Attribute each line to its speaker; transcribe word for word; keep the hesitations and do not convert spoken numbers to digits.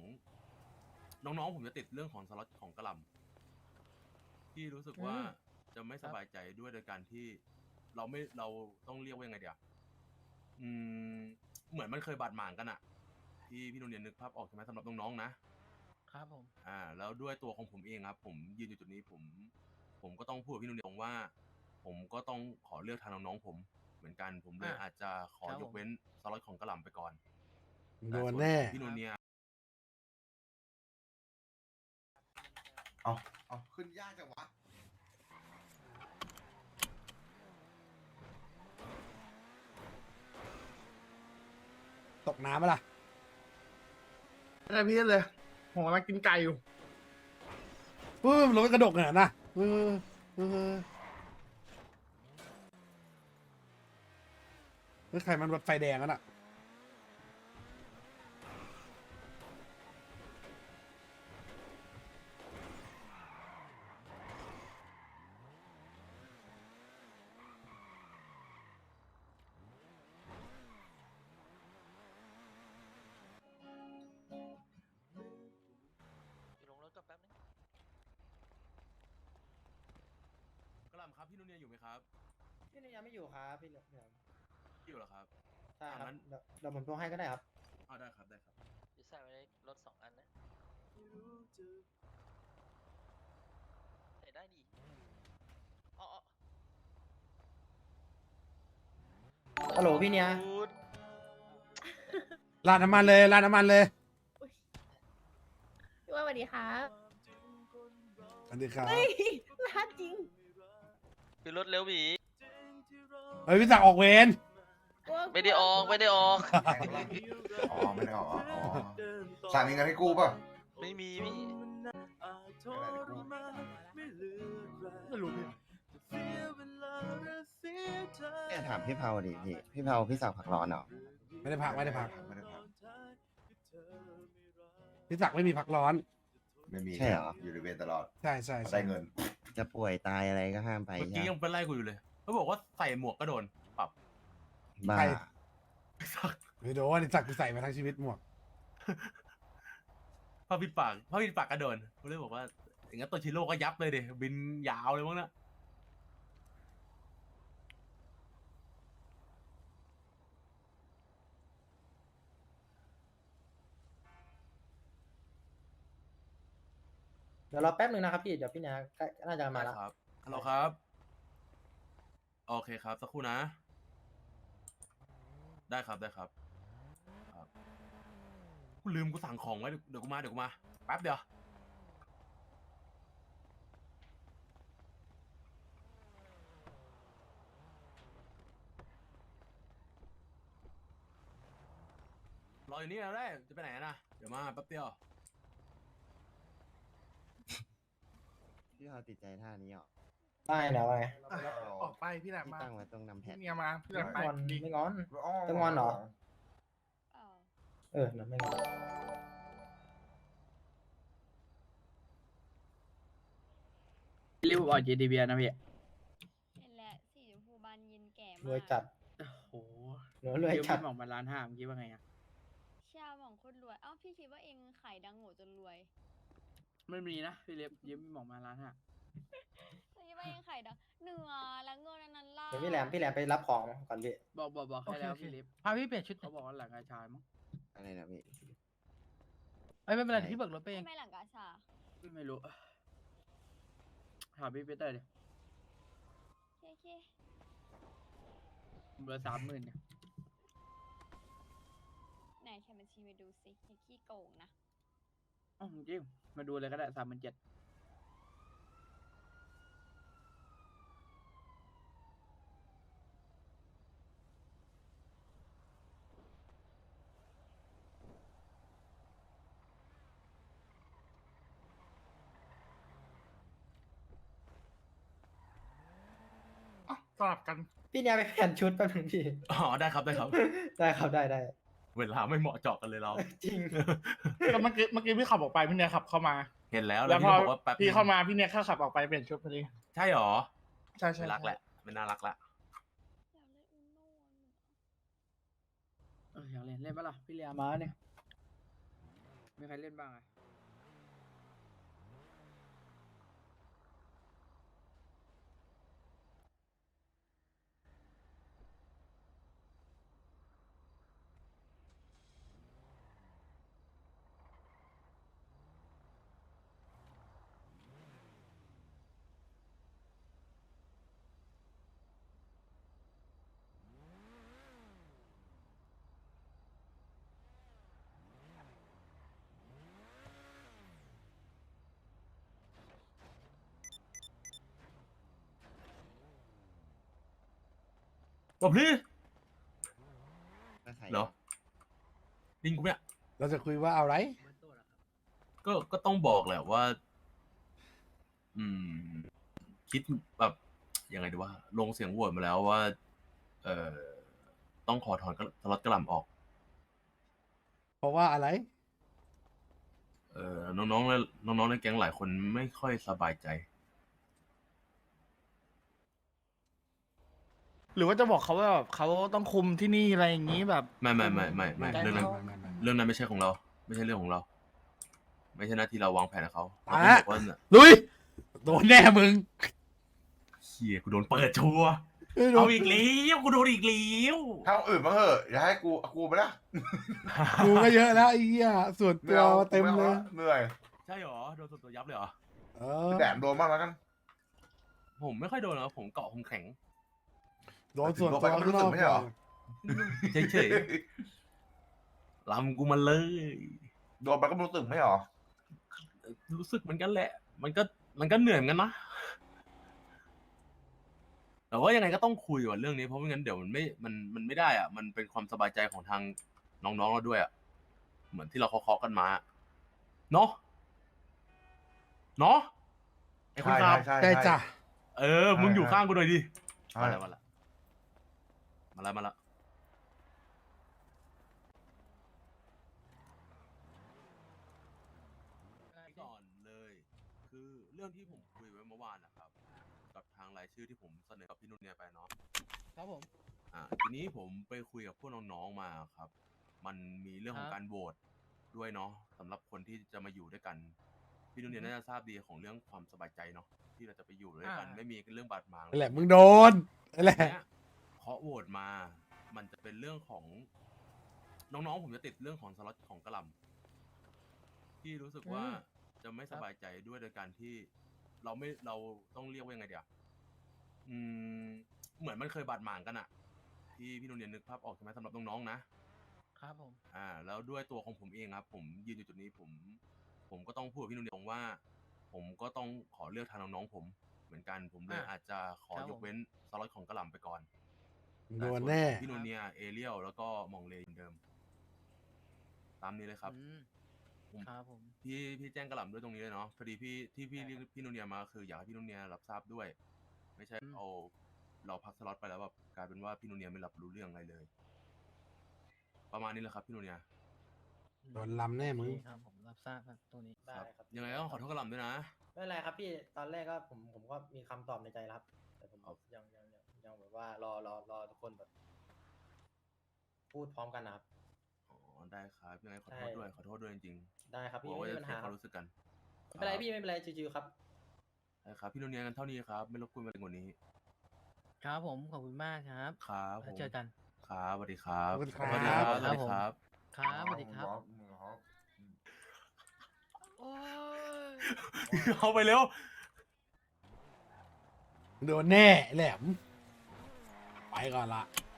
Speaker 1: น้องๆผมจะติดเรื่องของสล็อตของกระหล่ำที่รู้สึกว่าจะไม่สบายใจด้วยโดยการที่เราไม่เราต้องเรียกว่ายังไงเดียวอืมเหมือนมันเคยบาดหมางกันอะที่พี่โรงเรียนนึกภาพออกใช่ไหมสำหรับน้องๆนะครับ
Speaker 2: ผม
Speaker 1: อ่าแล้วด้วยตัวของผมเองครับผมยืนอยู่จุดนี้ผมผมก็ต้องพูดกับพี่โรงเรียนตรงว่า ผมก็ต้องขอเลือกทางน้องๆผมเหมือนกันผมเลยอาจจะขอยกเว้นสล็อตของกระหล่ำไปก่อน
Speaker 3: โด
Speaker 1: แต่
Speaker 3: น
Speaker 1: ส่วน
Speaker 3: แน่
Speaker 1: ของพี่โนเนีย
Speaker 4: เอาเอาขึ้นยากจังวะ
Speaker 3: ตกน้ำปะล่ะ
Speaker 2: อะไรพี่เลยผมกำลังกินไก่อยู่
Speaker 3: เออรถกระดกขนาดน่ะเออเออแล้วใครมันรถไฟแดงกันอ่ะ
Speaker 5: อยู่ลงรถก็แป๊บนึง
Speaker 1: กระหล่ำครับพี่โนเนียอยู่ไหมครับ
Speaker 6: พี่นี่ยังไม่อยู่ครับพี่เหลือม
Speaker 1: อยู่เหรอครับ
Speaker 6: ใช่ครับ
Speaker 1: อ่างั้น
Speaker 6: เดี๋ยวเดี๋ยวผมโทรให้ก็ได้ครับ
Speaker 1: อ๋อได้ครับได้ครับ
Speaker 5: อยู่ใส่ไว้ในรถสองอันนะใส่ได้ดีอ๋ออ๋อ
Speaker 6: ฮัลโหลพี่เนี่ย
Speaker 5: พูด
Speaker 3: ลาดน้ำมันเลยลาดน้ำมันเลย
Speaker 7: พี่ว่าสวัสดีครับ
Speaker 3: สวัสดีครับ
Speaker 7: เฮ้ยลาดจริง
Speaker 5: คือรถเร็วหวี
Speaker 3: เฮ้ยพี่ศักดิ์ออกเวร
Speaker 7: กลัว
Speaker 5: ไม่ได้ออกไม่ได้ออก
Speaker 4: อ๋อ ไม่ได้ออกอ๋ออ๋อสามมีเงินให้กู้ป่ะ
Speaker 5: ไม่มีพี่
Speaker 2: ไม่รู้พี่
Speaker 8: เนี่ยถามพี่เผาดิพี่ พี่เผาพี่สาวผักร้อนเหรอ
Speaker 3: ไม่ได้พักไม่ได้พัก
Speaker 4: ไม่ได้พัก
Speaker 3: พี่ศักดิ์ไม่มีพักร้อน
Speaker 4: ไม่มี
Speaker 8: ใช่เหรอ
Speaker 4: อยู่ในเวรตลอด
Speaker 3: ใช่ใช่ใช่
Speaker 4: ได้เงิน
Speaker 8: จะป่วยตายอะไรก็ห้ามไป
Speaker 1: เมื่อ
Speaker 8: ใช่
Speaker 1: กี้
Speaker 8: ไหม
Speaker 1: ยังไปไล่กูอยู่เลยเขาบอกว่าใส่หมวกก็โดนปรับ
Speaker 8: บ้า
Speaker 1: สัก
Speaker 3: ไม่โดนไอ้ศักดิ์กูใส่มาทั้งชีวิตหมวก
Speaker 1: ผ้าปิดปากผ้าปิดปากก็โดนเขาเลยบอกว่าอย่างงั้นตัวชิโร่ก็ยับเลยเดยบินยาวเลยมั้งนะ
Speaker 6: เดี๋ยวรอแป๊บนึงนะครับพี่เดี๋ยวพี่เนี่ยใกล้น่าจะมาแล้ว
Speaker 1: ครับฮัลโหลครับโอเคครับสักครู่นะ ได้ครับได้ครับครับกูลืมกูสั่งของไว้เดี๋ยวเดี๋ยวกูมาเดี๋ยวกูมาแป๊บเดียวรออยู่นี่แล้วได้จะไปไหนนะเดี๋ยวมาแป๊บเดียว
Speaker 8: พี่เผาติดใจท่านี้เหรอ
Speaker 6: ได้นะว่าไง
Speaker 2: ออกไปพี่แหลม
Speaker 8: ที่
Speaker 2: มา
Speaker 8: ตั้งไว้ตรงนำแพ
Speaker 2: พี่
Speaker 8: ท
Speaker 2: เมียมาพี่แหลมไป
Speaker 6: ไม่งอน
Speaker 2: ดี
Speaker 6: ไม่งอน จะงอนเหรอ เออเดี๋ยวไม่งอน
Speaker 2: รีบออกจีดีเบียนะพี่
Speaker 7: เห็นแล้วสีชมพูบานเย็นแก่มาก
Speaker 6: รวยจัด
Speaker 2: โอ้โห
Speaker 6: เหลือรวยจัด
Speaker 2: พี่หมอกมาล้านห้าเมื่อกี้ว่าไงอะ
Speaker 7: ชาหมองโคนรวย เอ้าพี่คิดว่าเองขายดังโง่จนรวย
Speaker 2: ไม่มีนะพี่เล็บยืมพี่หมอกมาล้านห้า
Speaker 7: พี่คิดว่าเองขายดังเหนือแล้วเงินอันนั้นล่ะ
Speaker 6: เดี๋ยวพี่แหลมพี่แหลมไปรับของก่อนพี่
Speaker 2: บอกบอกบอกให้แล้วพี่เล็บพาพี่เปลี่ยนชุดเขาบอกว่าหลังกาชายมั้ง
Speaker 8: อะไรนะพี่
Speaker 2: เอ้ยไม่เป็นไร
Speaker 8: ใช่
Speaker 2: พี่เบิกรถไปเอง
Speaker 7: ทำไมหลังกาชา
Speaker 2: ไม่รู้ถามพี่เปเตอร์ดิ
Speaker 7: เคเค
Speaker 2: เหลือสามหมื่นเนี่ย
Speaker 7: ไหนแค่บัญชีมาดูสิอย่าขี้โกงนะ
Speaker 2: อ๋อจริงมาดูเลยก็ได้สามหมื่นเจ็ด สลับกัน
Speaker 6: พี่เนี่ยไปเปลี่ยนชุดแป๊บนึงพี่
Speaker 1: อ๋อได้ครับได้ครับ
Speaker 6: ได้ครับได้ได้
Speaker 1: เวลาไม่เหมาะเจาะกันเลยเรา
Speaker 6: จริง
Speaker 2: ก็เมื่อกี้เมื่อกี้พี่ขับออกไปพี่เนี่ยขับเข้ามา
Speaker 1: เห็นแล้ว
Speaker 2: แล้
Speaker 1: แล้ว
Speaker 2: ว
Speaker 1: พี่
Speaker 2: พอ
Speaker 1: ก็บอกว่าแป๊บ
Speaker 2: พี่
Speaker 1: นึง
Speaker 2: เข้ามาพี่เนี่ยเข้าขับออกไปเปลี่ยนชุดพอดี
Speaker 1: ใช่หรอ
Speaker 2: ใช่ใช่
Speaker 1: ไม่รักแหละไม่น่ารักละ
Speaker 7: อยากเล่นอุโน่อะ
Speaker 2: เอออยากเล่นเล่นปะล่ะพี่เลียมาเนี่ย
Speaker 6: มีใครเล่นบ้างอะ
Speaker 1: บอกพี่
Speaker 8: ก็ใส่
Speaker 1: เหรอลิงกูเนี่ย
Speaker 3: เราจะคุยว่าเอาไร
Speaker 1: ก็ก็ต้องบอกแหละว่า อืม คิดแบบยังไงดีว่า ลงเสียงโหวตมาแล้วว่า เอ่อ ต้องขอถอนสล็อตกระหล่ำออก
Speaker 3: เพราะว่าอะไร
Speaker 1: เอ่อ น้องๆและน้องๆในแก๊งหลายคนไม่ค่อยสบายใจ
Speaker 2: หรือว่าจะบอกเขาว่าแบบเขาต้องคุมที่นี่อะไรอย่างนี้แบบ
Speaker 1: ไม่ไม่ไม่ไม่ไม่เรื่องนั้น เรื่องนั้นไม่ใช่ของเรา ไม่ใช่เรื่องของเรา ไม่ใช่หน้าที่เราวางแผนกับเขาเราต้องบอกว่าเนี่ย
Speaker 3: ลุย โดนแน่มึง
Speaker 1: เฮียกูโดนเปิดชัวร์
Speaker 3: ไม่โด
Speaker 1: เอา
Speaker 3: น
Speaker 1: อีกแล้วกูโดนอีกแล้ว
Speaker 4: ถ้าคนอื่นมาเหอะอย่าให้กูกูไปละ
Speaker 3: กูก็เยอะแล้วไอ้เหี้ยส่วน
Speaker 4: ไม่
Speaker 3: ตัว
Speaker 4: เอา
Speaker 3: เต็ม
Speaker 4: ไอา
Speaker 3: เลย
Speaker 4: ละเหนื่อย
Speaker 1: ใช่หรอ โดนส่วนตัวยับเลยเหรอ
Speaker 3: เออ
Speaker 4: แดดโดนบ้างแล้วกัน
Speaker 1: ผมไม่ค่อยโดนหรอกผมเกาะผมแข็ง
Speaker 3: โดนส่วน
Speaker 4: โดน
Speaker 3: ตั
Speaker 4: ไป
Speaker 3: ว
Speaker 4: ก็ไม่
Speaker 3: ข้าง
Speaker 4: รู้
Speaker 3: น
Speaker 4: สึ
Speaker 3: อก
Speaker 4: กไม่ใช่เหรอ
Speaker 1: เฉยๆลำกูมาเลย
Speaker 4: โดนไปก็ไม่รู้สึกไม่เหรอ
Speaker 1: รู้สึกเหมือนกันแหละ มันก็มันก็เหนื่อยเหมือนกันนะ แต่ว่ายังไงก็ต้องคุยว่ะเรื่องนี้เพราะไม่งั้นเดี๋ยวมันไม่มันมันไม่ได้อ่ะ มันเป็นความสบายใจของทางน้องๆเราด้วยอ่ะ เหมือนที่เราเคาะๆกันมาเนาะเนาะไอ้คุณ
Speaker 4: ใช่
Speaker 1: ครับ
Speaker 4: ใช่
Speaker 3: ได้
Speaker 4: ใช่
Speaker 3: จ้ะ
Speaker 1: เออ มึงอยู่ข้างกูหน่อยดิ
Speaker 4: ใช่
Speaker 1: มาแล้วมาแล้วมาแล้วมาแล้วก่อนเลย คือเรื่องที่ผมคุยไว้เมื่อวานนะครับ กับทางรายชื่อที่ผมเสนอกับพี่นุ่นเนี่ยไปเนาะ
Speaker 3: ครับผม
Speaker 1: อ่าทีนี้ผมไปคุยกับพวกน้องๆมาครับ มันมีเรื่องของการโหวตด้วยเนาะสำหรับคนที่จะมาอยู่ด้วยกัน พี่นุ่นเนี่ยน่าจะทราบดีของเรื่องความสบายใจเนาะที่เราจะไปอยู่ด้วยกัน ไม่มีเรื่องบาดหมาง
Speaker 3: นั่นแหละมึงโดนนั่นแหละ
Speaker 1: เนี้ยเพราะโหวตมา มันจะเป็นเรื่องของ น้องๆผมจะติดเรื่องของสล็อตของกระหล่ำที่รู้สึกว่าจะไม่สบายใจด้วยโดยการที่เราไม่เราต้องเรียกว่ายังไงเดียวอืม เหมือนมันเคยบาดหมางกันอะที่พี่นุ่นเนี่ยนึกภาพออกใช่ไหมสำหรับน้องๆนะครับ
Speaker 2: ผม
Speaker 1: อ่า แล้วด้วยตัวของผมเองครับ ผมยืนอยู่จุดนี้ผม ผมก็ต้องพูดกับพี่นุ่นเนี่ยว่า ผมก็ต้องขอเลือกทางน้องๆผมเหมือนกันผมเลย
Speaker 2: อ่ะ
Speaker 1: อาจจะขอ
Speaker 2: ครับ
Speaker 1: ย
Speaker 2: ผ
Speaker 1: ก
Speaker 2: ม
Speaker 1: เว้นสล็อตของกระหล่ำไปก่อน
Speaker 3: โด
Speaker 1: แต่
Speaker 3: น
Speaker 1: ส่ว
Speaker 3: แน่
Speaker 1: ของพี่นูเนียเอเรียลแล้วก็มองเลเหมือนเดิม ตามนี้เลยครับ
Speaker 2: อืม
Speaker 1: ผม
Speaker 2: ครับผม
Speaker 1: พี่พี่แจ้งกระหล่ำด้วยตรงนี้เลยเนาะพอดีพี่ที่พี่เรียกพี่นูเนียมาคืออยากให้พี่นูเนียรับทราบด้วย ไม่ใช่
Speaker 2: อืม
Speaker 1: เอาเราพักสล็อตไปแล้วแบบกลายเป็นว่าพี่นูเนียไม่รับรู้เรื่องอะไรเลย ประมาณนี้แหละครับพี่นูเนีย
Speaker 3: โดนลำแน่มึง
Speaker 2: โอเคครับผมรับทราบครับตรงนี้
Speaker 6: ได้ครับ
Speaker 1: ยังไงก็ขอโทษกระหล่ำด้วยนะ
Speaker 6: ไม่เป็นไรครับพี่ ตอนแรกก็ผมผมก็มีคำตอบในใจแล้วครับ แต่ผม
Speaker 1: ครับ
Speaker 6: ยังยังยังยังแบบว่ารอรอรอทุกคนแบบ พูดพร้อมกันนะครับ
Speaker 1: อ๋อได้ครับยังไงขอโทษ
Speaker 6: ใช่
Speaker 1: ด้วยขอโทษด้วยจริง
Speaker 6: ได้ครับ
Speaker 1: ๆกลั
Speaker 6: พี่
Speaker 1: วว่า
Speaker 6: ไม่
Speaker 1: จะ
Speaker 6: มีปัญ
Speaker 1: เสีย
Speaker 6: หา
Speaker 1: ความรู้สึกกัน
Speaker 6: ไม่เป็นไร
Speaker 1: ครับ
Speaker 6: พี่ไม่เป็นไรชิวๆครับ
Speaker 1: ได้ครับพี่นูเนียกันเท่านี้ครับไม่รบกวนไปกว่านี้
Speaker 2: ครับผมขอบคุณมากครับ
Speaker 1: ครับผ
Speaker 2: แล้ว
Speaker 1: ม
Speaker 2: เจอกัน
Speaker 1: ครับสวัสดีครับ
Speaker 3: ขอบคุณครับ
Speaker 1: สวัสดีครับส
Speaker 2: ครั
Speaker 1: วัส
Speaker 2: บ
Speaker 1: ดี
Speaker 2: ผม
Speaker 1: ครับ
Speaker 2: ครับสวัสดีครับ
Speaker 4: โอ้
Speaker 1: เอาไปเร็ว
Speaker 3: โดนแน่แหลม ไปก่อนละ